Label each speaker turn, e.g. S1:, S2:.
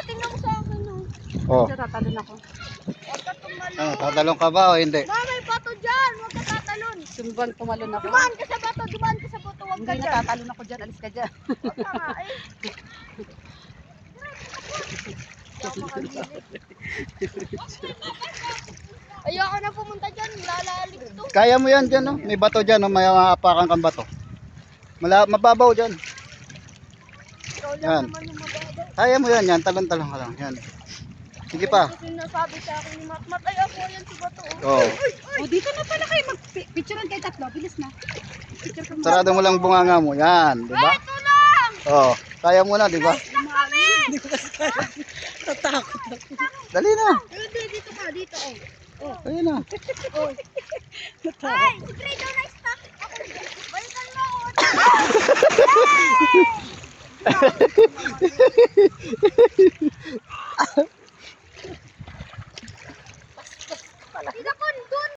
S1: tingnan mo sa akin, no.
S2: Oh.
S3: Diyan tatalon ako.
S1: Huwag ka tumalon.
S2: Ano, tatalon ka ba o hindi?
S1: Ma, may bato dyan. Huwag ka tatalon.
S3: Sumbang tumalon ako.
S1: Dumaan ka sa bato, dumaan ka sa bato. Huwag ka
S3: Hindi
S1: dyan.
S3: natatalon ako dyan. Alis ka dyan.
S1: Huwag ka nga, eh. Hindi ako makagilid. Ayoko na pumunta dyan. Lalalig to.
S2: Kaya mo yan dyan, no? May bato dyan, no? May maapakan kang bato. Mababaw dyan.
S1: Ikaw lang
S2: Yan.
S1: naman yung mababaw.
S2: Kaya mo yan, yan. Talon-talon ka lang. Yan. Sige pa.
S1: Kasi sinasabi sa akin ni Matmat, ay ako yan si bato.
S2: Oh.
S3: O, dito na pala kayo. Mag-picturean kayo tatlo. Bilis na. Picture ka mo.
S2: Sarado mo lang bunganga mo. Yan, di ba?
S1: Ito lang!
S2: Oh. Kaya mo na, di ba?
S3: Hindi ko kasi kaya. Tatakot ako.
S2: Dali na.
S1: Hindi, dito ka, dito. Oh.
S2: Ayun na.
S1: Ay, si Trey daw na-stuck. Ako, balikan mo ako. Hindi ko